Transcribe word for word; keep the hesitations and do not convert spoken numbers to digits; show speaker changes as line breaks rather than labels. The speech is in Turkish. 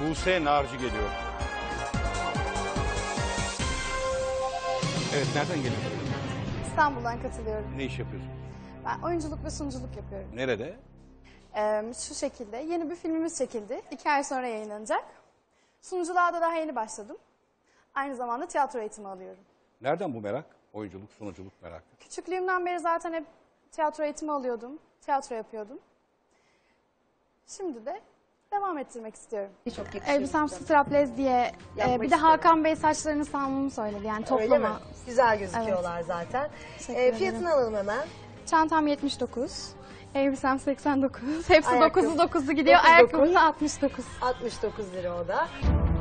Buse Narcı geliyor. Evet, nereden geliyorsun?
İstanbul'dan katılıyorum.
Ne iş yapıyorsun?
Ben oyunculuk ve sunuculuk yapıyorum.
Nerede?
Ee, şu şekilde yeni bir filmimiz çekildi. İki ay sonra yayınlanacak. Sunuculuğa da daha yeni başladım. Aynı zamanda tiyatro eğitimi alıyorum.
Nereden bu merak? Oyunculuk, sunuculuk merakı.
Küçüklüğümden beri zaten hep tiyatro eğitimi alıyordum. Tiyatro yapıyordum. Şimdi de devam ettirmek istiyorum.
Çok yakışıyor.
Elbisem strapless diye e,
Yapmak
bir de
istedim.
Hakan Bey saçlarını salmamı söyledi. Yani
Öyle mi?
toplama.
Güzel gözüküyorlar zaten.
Teşekkür
Ee,
ederim.
fiyatını alalım hemen.
Çantam yetmiş dokuz. Elbisem seksen dokuz. Hepsi
Ayakkabı-
dokuzlu dokuzlu gidiyor.
dokuz dokuz.
Ayakkabım da altmış dokuz.
altmış dokuz lira o da.